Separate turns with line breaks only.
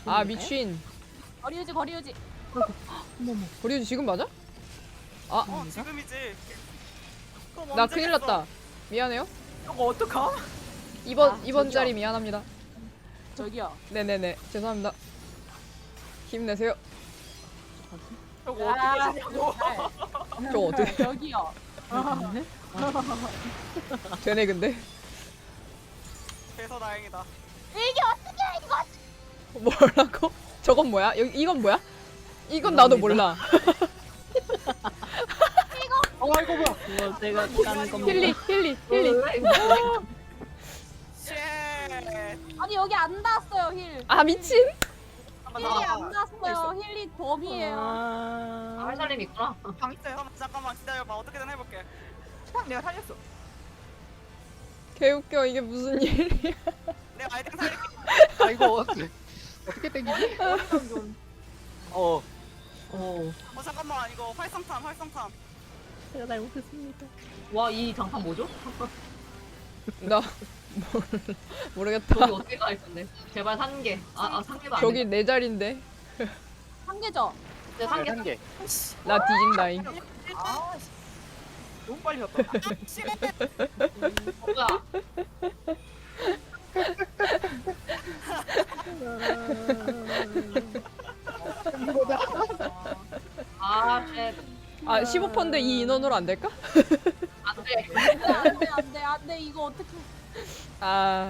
아 미친.
거리 유지.
어머머.
버리지 지금 맞아?
지금이지.
나 큰일 났다. 미안해요.
이거 어떡함?
이번 자리 미안합니다.
저기요.
네네네 죄송합니다. 힘내세요.
이거 어떻게 하냐고.
저 어떻게
저기요.
네?
되네 근데.
그래서 다행이다.
이게 어떻게 이거?
뭐라고? 저건 뭐야? 이건 뭐야? 이건 나도 몰라.
이거 뭐야? 이거 제가 까는 겁니다.
힐리.
쉣.
아니 여기 안 닿았어요 힐.
아 미친.
힐이 안 닿았어요. 힐이 범이에요.
아,
살림 있구나.
방 있어요. 잠깐만 기다려봐. 어떻게든 해볼게. 내가 살렸어.
개웃겨 이게 무슨 일이야.
내가 아이템 살릴게.
아 이거 어떻게 땡기지? 어
잠깐만 이거 활성탄.
제가 잘못했습니다.
와, 이 장판 뭐죠?
나 모르겠다.
저기 어떻게 가 있었네. 제발 산 개. 산 개도 안 돼.
저기 내 자리인데.
한 개죠.
네, 산 개.
한 개.
나 뒤진다잉.
아, 너무 빨리 갔다.
뭐야? 아, 쉣.
아 15%인데 이 인원으로 안 될까?
안 돼.
안돼 이거 어떻게?
아